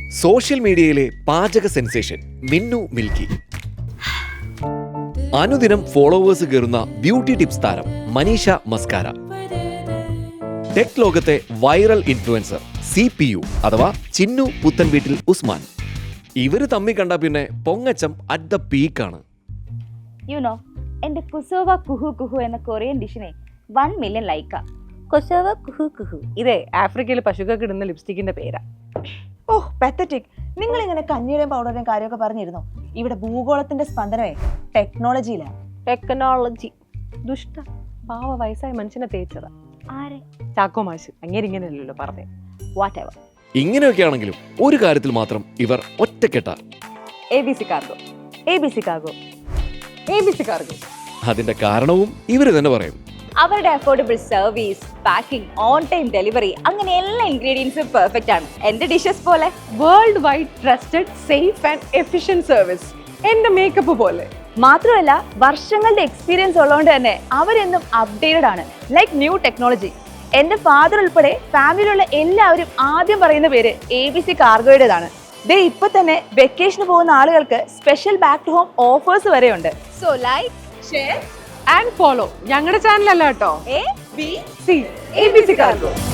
Social മീഡിയയിലെ പാചക sensation Minnu milky. അനുദിനം ഫോളോവേഴ്സ് കയറുന്ന ബ്യൂട്ടി ടിപ്സ് താരം മനീഷ മസ്കാര. ടെക് ലോകത്തെ വൈറൽ ഇൻഫ്ലുവൻസർ CPU അഥവാ ചിന്നു പുത്തൻ വീട്ടിൽ ഉസ്മാൻ. ഇവര് തമ്മി കണ്ട പിന്നെ പൊങ്ങച്ചം അറ്റ് ദ പീക്കാണ്. യുനോ എന്റെ കുസോവ കുഹു കുഹു എന്ന കൊറിയൻ ഡിഷിനെ 1 മില്യൺ ലൈക്കാ. കുസോവ കുഹു കുഹു ഇതേ ആഫ്രിക്കയിൽ പശുക്കൾക്ക് ഇടുന്ന ലിപ്സ്റ്റിക്കിന്റെ പേരാ. Oh pathetic. നിങ്ങൾ ഇങ്ങനെ കഞ്ഞിയുടെയും പൗഡറിന്റെയും കാര്യമൊക്കെ പറഞ്ഞിരുന്നോ? ഇവിടെ ഭൂഗോളത്തിന്റെ സ്പന്ദനമേ ടെക്നോളജിയിലാണ്. ടെക്നോളജി ദുഷ്ട പാവ വയസ്സായ മനുഷ്യനെ തേച്ചതാ. ആരെ? ചാക്കോ മാഷ്. അങ്ങനെയല്ലല്ലോ പറഞ്ഞേ. Whatever. ഇങ്ങനെയൊക്കെ ആണെങ്കിലും ഒരു കാര്യത്തിൽ മാത്രം ഇവർ ഒറ്റക്കെട്ട. ABC cargo, ABC cargo, ABC cargo. അതിന്റെ കാരണവും ഇവര് തന്നെ പറയും. അവരുടെ affordable service, packing, on time delivery, അങ്ങനെ എല്ലാ ഇൻഗ്രീഡിയൻസും പെർഫെക്റ്റ് ആണ്. എന്റെ ഡിഷസ് പോലെ world wide trusted safe and efficient service. എന്റെ മേക്കപ്പ് പോലെ. മാത്രമല്ല വർഷങ്ങളുടെ എക്സ്പീരിയൻസ് ഉള്ളതുകൊണ്ട് തന്നെ അവരെന്നും അപ്ഡേറ്റഡ് ആണ്. Like new technology. എന്റെ ഫാദർ ഉൾപ്പെടെ ഫാമിലിയിലുള്ള എല്ലാവരും ആദ്യം പറയുന്ന പേര് ABC കാർഗോയുടേതാണ്. ദേ ഇപ്പൊ തന്നെ വെക്കേഷന് പോകുന്ന ആളുകൾക്ക് special back to home offers വരെയുണ്ട്. So like, share and follow. ഞങ്ങളുടെ ചാനൽ അല്ല കേട്ടോ, ABC ABC കാർഗോ.